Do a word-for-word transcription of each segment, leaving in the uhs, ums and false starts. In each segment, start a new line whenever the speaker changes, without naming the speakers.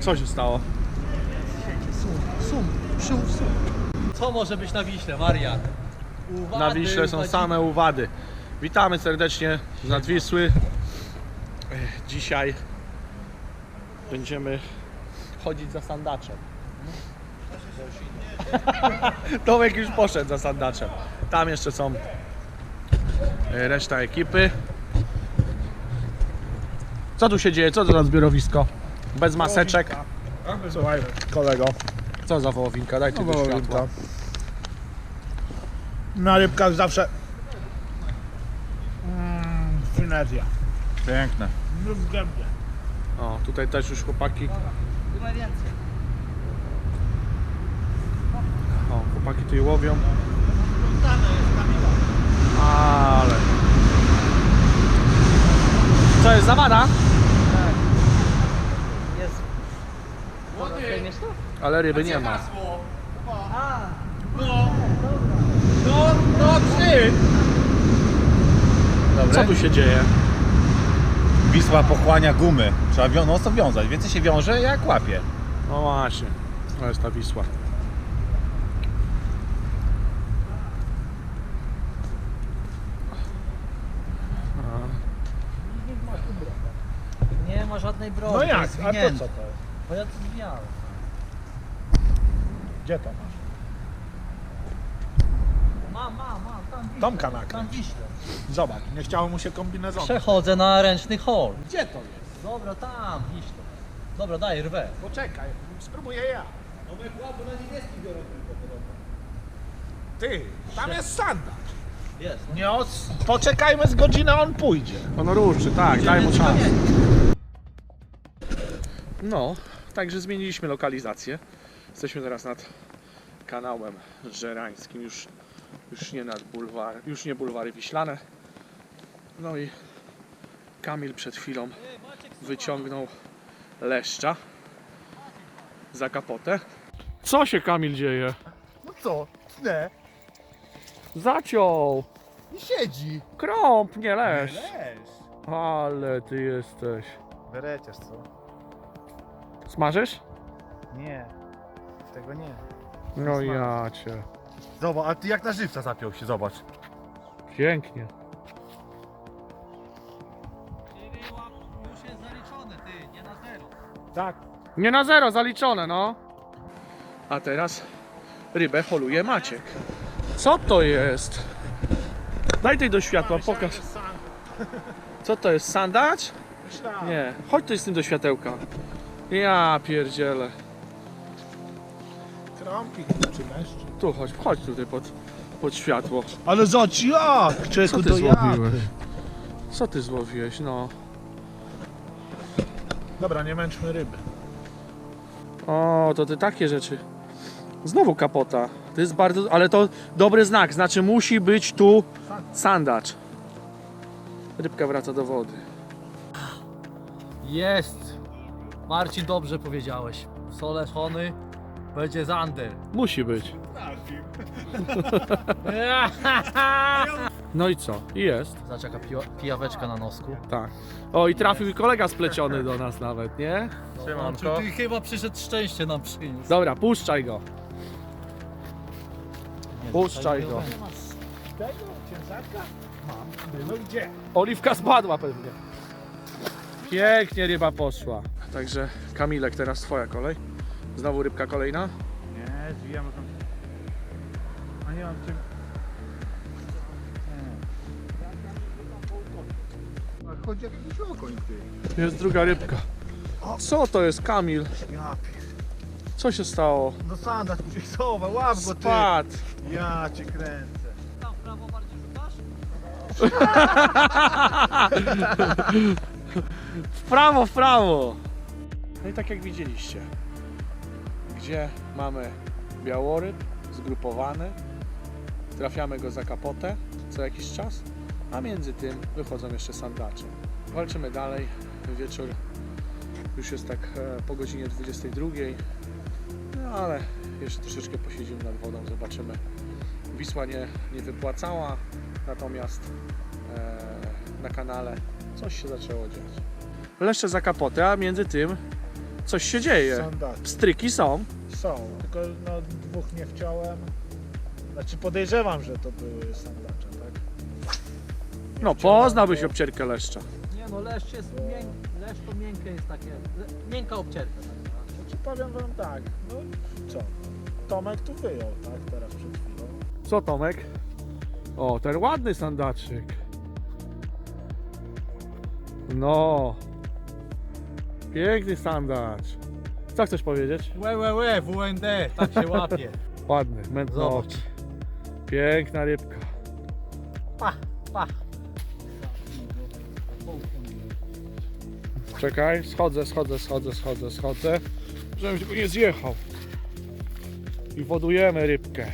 Co się stało?
Sum, sum, sum.
Co może być na Wiśle, Marian? Uwady,
Na Wiśle są
uwadzi-
same uwady. Witamy serdecznie z nad Wisły. Dzisiaj będziemy chodzić za sandaczem. Tomek już poszedł za sandaczem. Tam jeszcze są reszta ekipy. Co tu się dzieje? Co to za zbiorowisko? Bez maseczek.
Słuchaj, kolego.
Co za wołowinka? Dajcie
No,
tu światła.
wołowinka. Na rybkach zawsze mm, finezja.
Piękne.
No w gębie.
O, tutaj też już chłopaki. O, chłopaki tu je łowią. Ale... Co jest, zawada?
Jest. Weźmiesz to?
Ale ryby nie ma.
No, no ty!
Co tu się dzieje?
Wisła pochłania gumy. Trzeba wią- no co wiązać. Więcej się wiąże jak łapie.
No właśnie, to jest ta Wisła.
Nie ma żadnej broni.
No
to
jak?
jest
A to
zwinięte.
co to jest?
Bo ja to zwijałem.
Gdzie to masz?
Mam, mam, mam. Tam Wiśle.
Tomka nakryć.
Tam Wiśle.
Zobacz, nie chciało mu się kombinezonu.
Przechodzę na ręczny hol.
Gdzie to jest?
Dobra, tam Wiśle. Dobra, daj rwę.
Poczekaj, spróbuję ja. Ty, tam jest sandacz.
Jest. No.
Nie os... Poczekajmy z godzinę, on pójdzie.
On ruszy, tak, daj mu
Idziemy z
czas.
kamieni.
No, także zmieniliśmy lokalizację. Jesteśmy teraz nad kanałem żerańskim, już, już nie nad bulwar, już nie bulwary wiślane. No i Kamil przed chwilą wyciągnął leszcza za kapotę. Co się, Kamil, dzieje?
No co? Nie.
Zaciął!
I siedzi.
Krąb, nie leszcz!
Leż.
Ale ty jesteś.
Bereciarz, co?
Smażysz?
Nie. Tego nie.
No ja cię.
Zobacz, a ty jak na żywca zapiął się, zobacz.
Pięknie.
Już jest zaliczone, ty, nie na zero.
Tak.
Nie na zero, zaliczone, no. A teraz rybę holuje Maciek. Co to jest? Daj tej do światła, pokaż. Co to jest, sandacz? Nie, chodź tu z tym do światełka. Ja pierdzielę.
Krąpik czy leszcz?
Tu chodź, chodź tutaj pod, pod światło.
Ale zobacz jak!
Co
Czeku,
ty
to jak?
złowiłeś? Co ty złowiłeś, no?
Dobra, nie męczmy ryby.
O, to ty takie rzeczy. Znowu kapota. To jest bardzo, ale to dobry znak, znaczy musi być tu sandacz. Rybka wraca do wody.
Jest. Marcin, dobrze powiedziałeś. Soleszony będzie zander.
Musi być. No i co? I jest.
Zobacz jaka piła, pijaweczka na nosku.
Tak. O, i trafił i kolega spleciony do nas nawet, nie?
Siemanko. Ty chyba przyszedł szczęście nam przyniósł.
Dobra, puszczaj go.
Nie,
Puszczaj
tutaj
go.
nie ma.
Tego ciężarka? Mam. No gdzie?
Oliwka spadła pewnie. Pięknie ryba poszła. Także Kamilek, teraz twoja kolej. Znowu rybka kolejna.
Nie, zwijamy tam. A nie mam czym.
A chodzi jak jakiś okoń, ty.
Jest druga rybka. Co to jest, Kamil?
Ja pier...
Co się stało?
No sandacz mu się chowa, łap go ty.
Spadł.
Ja cię kręcę.
Tam w prawo bardziej rzucasz?
W prawo, w prawo. No i tak jak widzieliście, gdzie mamy białoryb zgrupowany, trafiamy go za kapotę co jakiś czas, a między tym wychodzą jeszcze sandacze. Walczymy dalej, wieczór już jest tak e, po godzinie dwudziestej drugiej, no ale jeszcze troszeczkę posiedzimy nad wodą, zobaczymy. Wisła nie, nie wypłacała, natomiast e, na kanale coś się zaczęło dziać. Leszcze za kapotę, a między tym coś się dzieje.
Sandacz.
Pstryki są.
Są, tylko no, dwóch nie wciąłem. Znaczy podejrzewam, że to były sandacze, tak? Nie
No,
wciąłem,
poznałbyś
bo-
obcierkę leszcza.
Nie no, leszcz jest mięk, leszcz to miękkie jest takie, le, miękka obcierka. Tak?
Znaczy powiem wam tak, no co? Tomek tu wyjął, tak? Teraz przed chwilą.
Co, Tomek? O, ten ładny sandaczyk. No. Piękny sandacz. Co chcesz powiedzieć?
Łe, łe, łe, W N D, tak się łapie.
Ładny, mętny
Zobacz.
oczy. Piękna rybka.
Pa, pa.
Czekaj, schodzę, schodzę, schodzę, schodzę, schodzę. Żebym tylko nie zjechał. I wodujemy rybkę.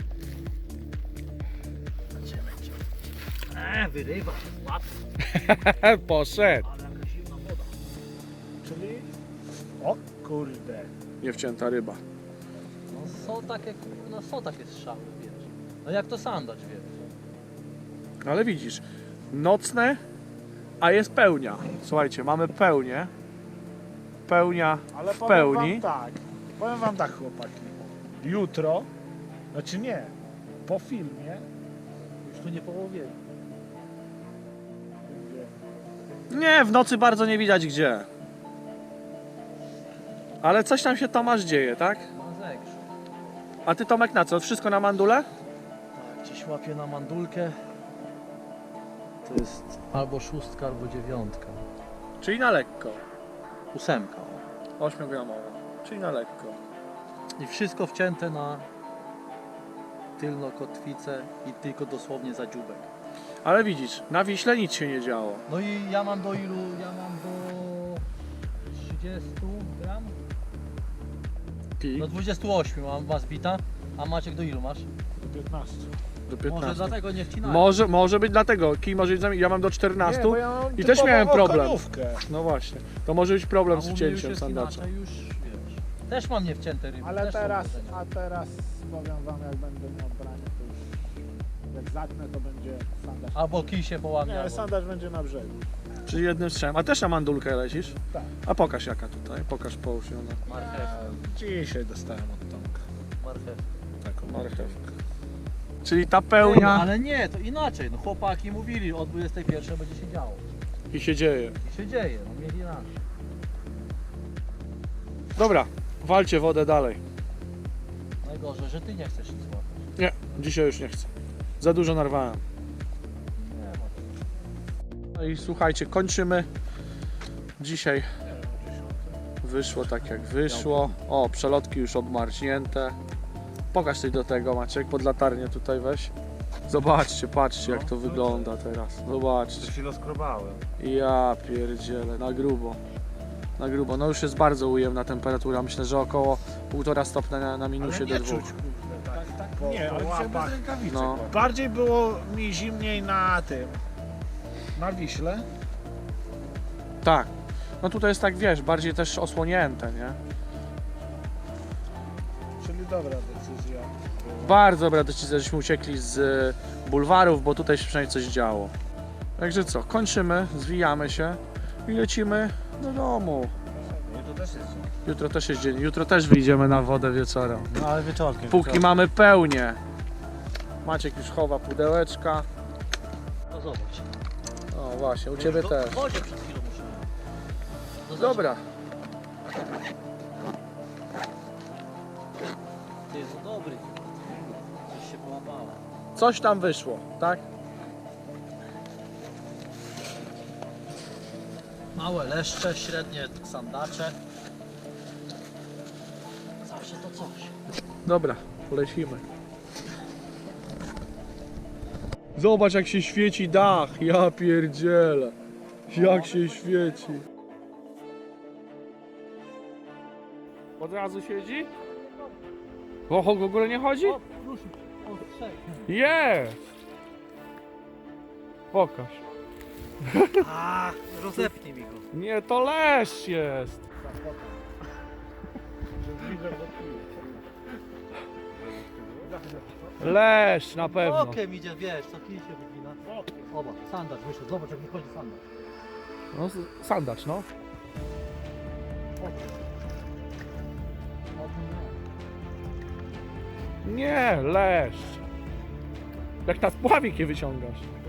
Eee, wyrywa, łap.
Poszedł.
Ale jaka zimna woda.
Czyli... O kurde.
Niewcięta ryba.
No są takie, no są takie strzały, wiesz. No jak to sandacz, wiesz.
Ale widzisz, nocne, a jest pełnia. Słuchajcie, mamy pełnię. Pełnia
Ale
w
powiem
pełni.
wam tak, powiem wam tak chłopaki. Jutro, znaczy nie, po filmie
Już tu nie połowie.
będzie
Nie, w nocy bardzo nie widać gdzie. Ale coś tam się, Tomasz, dzieje, tak?
Na zegrzu.
A ty, Tomek, na co? Wszystko na mandule?
Tak, gdzieś łapie na mandulkę. To jest albo szóstka, albo dziewiątka.
Czyli na lekko.
Ósemka.
ośmiogramowa. Czyli na lekko.
I wszystko wcięte na tylną kotwicę i tylko dosłownie za dziubek.
Ale widzisz, na Wiśle nic się nie działo.
No i ja mam do ilu? Ja mam do trzydziestu gram?
I
Do dwudziestu ośmiu mam was bita. A Maciek do ilu masz?
do piętnastu.
do
Może
piętnastu.
dlatego nie wcinałem.
Może, może być dlatego. Kij może być za... Ja mam do
Nie,
czternastu.
bo ja mam
i też
typową
miałem problem.
okonówkę.
No właśnie. To może być problem
A
z
u mnie już
wcięciem
jest
sandacza.
inaczej, już wiesz. Też mam niewcięte ryby.
Ale
też są
teraz,
uderzenia.
a teraz powiem wam, jak będę miał branie, to już jak zatnę, to będzie sandacz.
Albo kij się połamie.
Nie,
albo...
sandacz będzie na brzegu.
Czyli jednym strzem. A też na mandulkę lecisz?
Tak.
A pokaż jaka tutaj. Pokaż połóż ją na
Marchew.
Dzisiaj dostałem od Tomka.
Marchew.
taką marchewkę. Czyli ta
Ty, no,
pełnia
ale nie, to inaczej. No chłopaki mówili, od dwudziestej pierwszej będzie się działo.
i się dzieje.
I się dzieje, no mieli rację.
Dobra, walcie wodę dalej.
Najgorzej, że ty nie chcesz nic złapać.
Nie, dzisiaj już nie chcę. Za dużo narwałem.
Nie ma.
No i słuchajcie, kończymy. Dzisiaj wyszło tak jak wyszło. O, przelotki już obmarznięte. Pokaż coś do tego, Maciek, pod latarnię tutaj weź. Zobaczcie, patrzcie jak to wygląda teraz. Zobaczcie.
się rozkrobałem.
Ja pierdzielę, na grubo. Na grubo. No już jest bardzo ujemna temperatura. Myślę, że około półtora stopnia na, na minusie
Ale
do
nie
dwóch.
czuć, kurde, tak, tak, po,
Nie, ale
po
dzisiaj bez
łapach.
rękawiczek.
No.
Bardziej było mi zimniej na tym, na Wiśle.
Tak. No tutaj jest tak, wiesz, bardziej też osłonięte, nie?
Czyli dobra decyzja.
Bardzo dobra decyzja, żeśmy uciekli z e, bulwarów, bo tutaj się przynajmniej coś działo. Także co, kończymy, zwijamy się i lecimy do domu.
Nie, to też jest.
Jutro też jest dzień, jutro też wyjdziemy na wodę wieczorem.
No ale wieczorkiem.
Póki mamy pełnię. Maciek już chowa pudełeczka.
No zobacz.
O właśnie, u Ciebie
Już
też.
W wodzie przed chwilą muszę. No zobacz.
Dobra,
Ty jest dobry. Coś się połapało.
coś tam wyszło, tak?
Małe leszcze, średnie sandacze. Zawsze to coś.
Dobra, lecimy. Zobacz jak się świeci dach, ja pierdzielę. Jak się świeci. Od razu siedzi? O, w ogóle nie chodzi?
O, ruszy. O, trzech.
Jest! Pokaż.
A, rozepnij mi go.
Nie, to leszcz jest. Leszcz na pewno.
Okiem idzie, wiesz, co kij się wygina. Oba, sandacz wyszedł. Zobacz jak mi chodzi sandacz.
No, s- sandacz, no. Nie, leszcz. Jak na spławik je wyciągasz.